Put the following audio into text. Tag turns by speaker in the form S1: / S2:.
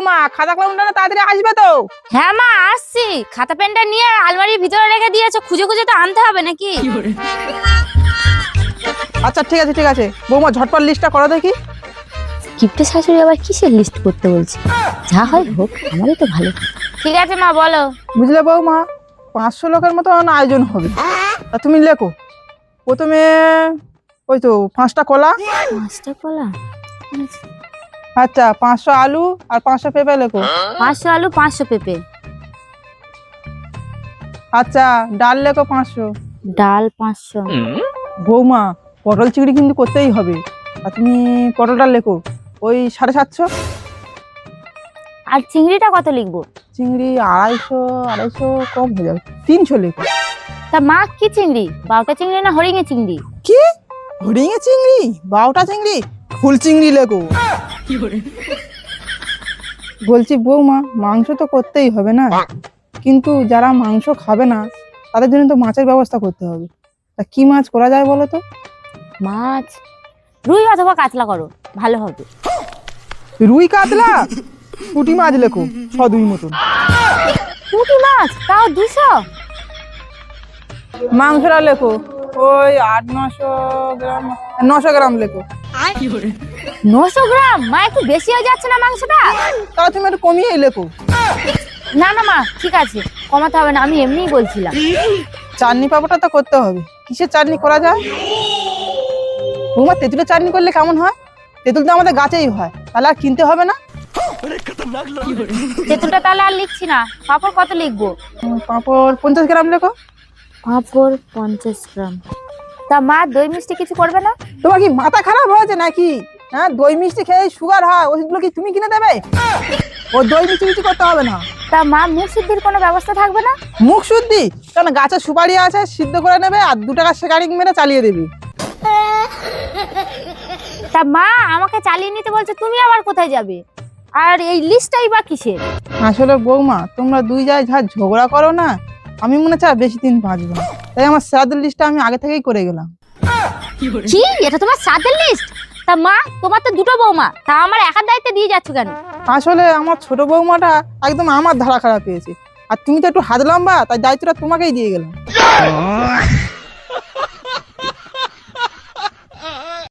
S1: বৌমা, খাতা কলমটা না তাড়াতাড়ি আসবে তো?
S2: হ্যাঁ মা আসছি, খাতা পেনটা নিয়ে আলমারির ভিতরে রেখে দিয়েছো, খুঁজে খুঁজে তো আনতে হবে নাকি?
S1: আচ্ছা ঠিক আছে ঠিক আছে, বৌমা ঝটপট লিস্টটা করো দেখি।
S2: কিপ্টে শাশুড়ি আবার কিসের লিস্ট করতে বলছে? যা হয় হোক, আমারই তো ভালো। ঠিক আছে মা, বলো।
S1: বুঝলে বৌমা, 500 লোকের মতো আয়োজন হবে। তা তুমি লেখো প্রথমে ওই তো 5টা কলা।
S2: 5টা কলা?
S1: আচ্ছা 500 আলু আর 500 পেঁপে লেখো।
S2: 500 আলু 500 পেঁপে।
S1: আচ্ছা ডাল লেখো 500।
S2: ডাল 500।
S1: বৌমা পটল চিংড়ি কিন্তু করতেই হবে, আর তুমি পটলটা লেখো ওই 750।
S2: আর চিংড়িটা কত লিখবো?
S1: চিংড়ি 250 কম হয়ে যাবে, 300 লেখো।
S2: তা মা কি চিংড়ি, বাউটা চিংড়ি না হরিঙে চিংড়ি?
S1: কি হরিঙে চিংড়ি, বাউটা চিংড়ি, ফুল চিংড়ি লেখো। বলছি বৌমা, মাংস তো করতেই হবে না, কিন্তু যারা মাংস খাবে না তাদের জন্য তো মাছের ব্যবস্থা করতে হবে। তা কি মাছ করা যায় বলো তো?
S2: মাছ রুই অথবা কাতলা করো, ভালো হবে।
S1: রুই কাতলা, পুঁটি মাছ লেখো 6-2 মতন।
S2: পুঁটি মাছ তাও 200?
S1: মাংসটা লেখো ওই 800-900 গ্রাম, 900 গ্রাম লেখো।
S2: 900 গ্রাম? মা একটু বেশি হয়ে যাচ্ছে না মাংসটা?
S1: তাহলে তুমি একটু কমিয়েই লেখো।
S2: না না মা, ঠিক আছে, কমাতে হবে না, আমি এমনিই বলছিলাম।
S1: চাটনি পাপড়টা তো করতে হবে, কিসের চাটনি করা যায়? বৌমা তেঁতুলের চাটনি করলে কেমন হয়? তেঁতুল তো আমাদের গাছেই হয়, তাহলে আর কিনতে হবে না।
S2: তেঁতুলটা তাহলে আর লিখছি না, পাঁপড় কত লিখবো?
S1: পাঁপড় 50 গ্রাম লেখো।
S2: পাঁপড় 50 গ্রাম। তা মা দই মিষ্টি কিছু করবে না?
S1: তোমার কি মাথা খারাপ হয়েছে নাকি? হ্যাঁ, দই মিষ্টি খেয়ে সুগার হয়, ওইগুলো কি তুমি কিনে দেবে? ও দই মিষ্টি কিছু করতে হবে না।
S2: তা মা মুখ শুদ্ধির কোনো ব্যবস্থা থাকবে না?
S1: মুখ শুদ্ধি? কারণ গাছে সুপারি আছে, সিদ্ধ করে নেবে আর 2 টাকা শেকারিং মেরে চালিয়ে দেবে।
S2: তা মা আমাকে চালিয়ে নিতে বলছে, তুমি আবার কোথায় যাবে? আর এই লিস্টটাই বা কিসের?
S1: আসলে বৌমা, তোমরা দুই জায়গায় যা ঝগড়া করো না, আমি মনে চাই বেশি দিন বাঁচবো না, তাই আমার শ্রাদ্ধের লিস্টটা আমি আগে থেকেই করে গেলাম।
S2: কি, এটা তোমার শ্রাদ্ধের লিস্ট? তা মা তোমার তো দুটো বৌমা, তা আমার একার দায়িত্বে দিয়ে যাচ্ছ কেন?
S1: আসলে আমার ছোট বৌমাটা একদম আমার ধারা খারাপ পেয়েছে, আর তুমি তো একটু হাত লম্বা, তাই দায়িত্বটা তোমাকেই দিয়ে গেলাম।